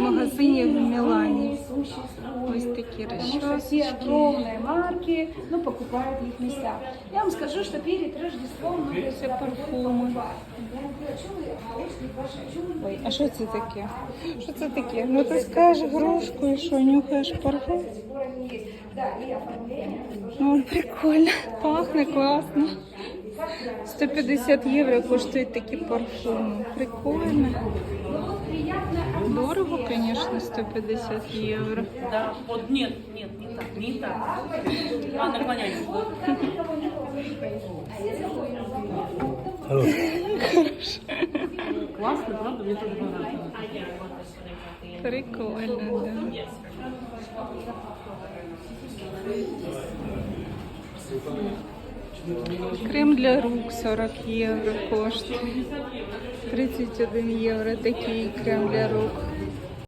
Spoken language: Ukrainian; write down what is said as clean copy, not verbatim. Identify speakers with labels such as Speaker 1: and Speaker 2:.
Speaker 1: магазині в Мілані. Ось такі
Speaker 2: Все
Speaker 1: розчосочки.
Speaker 2: огромные марки, ну, покупают в их местах. Я вам скажу, что перед Рождеством мы
Speaker 1: Це парфуми. Ой, а що це таке? Що це таке? Ну ти скажеш грушку і що, нюхаєш парфум? О, прикольно. Пахне класно. 150 євро коштують такі парфуми. Прикольно. Дорого, звісно, 150 євро.
Speaker 3: Да, вот нет, не так. А, наклоняйся. Классно, правда? Мне тоже понравилось.
Speaker 1: Прикольно, да. Крем для рук 40 євро коштує. 31 євро такий крем для рук.